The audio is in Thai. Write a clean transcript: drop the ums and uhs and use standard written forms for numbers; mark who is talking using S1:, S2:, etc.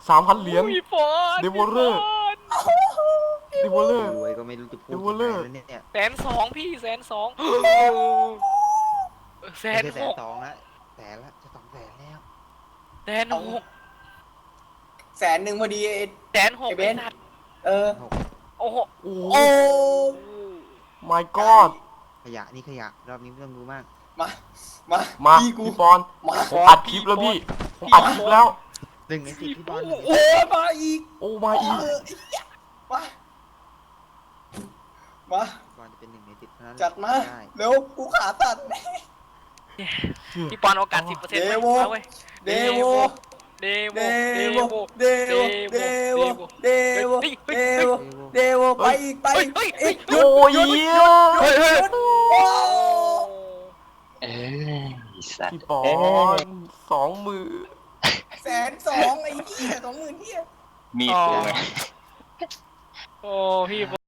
S1: 3,000 เหรียญ
S2: พี่ปอน
S1: เดวอลเลอร์ เดวอลเลอร์
S3: รวยก็ไม่รู้จะพูด
S1: เดวอลเลอร์
S3: ยังไงแล้วเนี่ย
S2: 120,000พี่120,000แส
S3: ไม่
S2: น
S3: ใช่
S2: หก
S3: 120,000ละแสนละจะ200,000แล้ว
S2: 160,000
S4: 100,000พอดี
S2: 160,000
S4: ไอ้เบน
S2: นัด
S4: เออ
S2: โอ้โห
S1: โอ้
S4: โอ้
S1: my god
S3: ขยะนี่ขยะรอบนี้ไม่ต้องดูมาก
S4: มา มา
S1: มา
S4: พี่กู
S1: พี่ปอน
S4: มา
S1: ผมอัดคลิปแล้วพี่ ผมอัดคลิปแล้ว
S3: 1 ใน 10พี่บอล
S4: โอ้มาอีก
S1: โอ้มาอีก
S4: เออไอ้เหี้ยมา มา
S3: พี่บอลจะเป็น1 ใน 10เท่านั้น
S4: จัดมา
S3: ได้
S4: เร็ว กูขาตัด
S2: พี่ปอนโอกาส 10%
S4: เดโว
S2: เว้ย
S4: เดโว
S2: เดโว
S4: เด
S2: เด
S4: โว
S2: โว
S4: เดโว เดโว เดโว เดโว เดโว ไปอีก ไปอีก
S2: เฮ้ย
S1: โอ้ย
S2: เฮ้ยเฮ้ย
S4: โอ้
S5: เอ้ยสัต
S1: พี่
S5: ว์
S1: ปอน20,000
S4: 120,000ไอ้เหี้ย20,000เหี้ย
S5: มีดกูไง
S2: โอ้พี่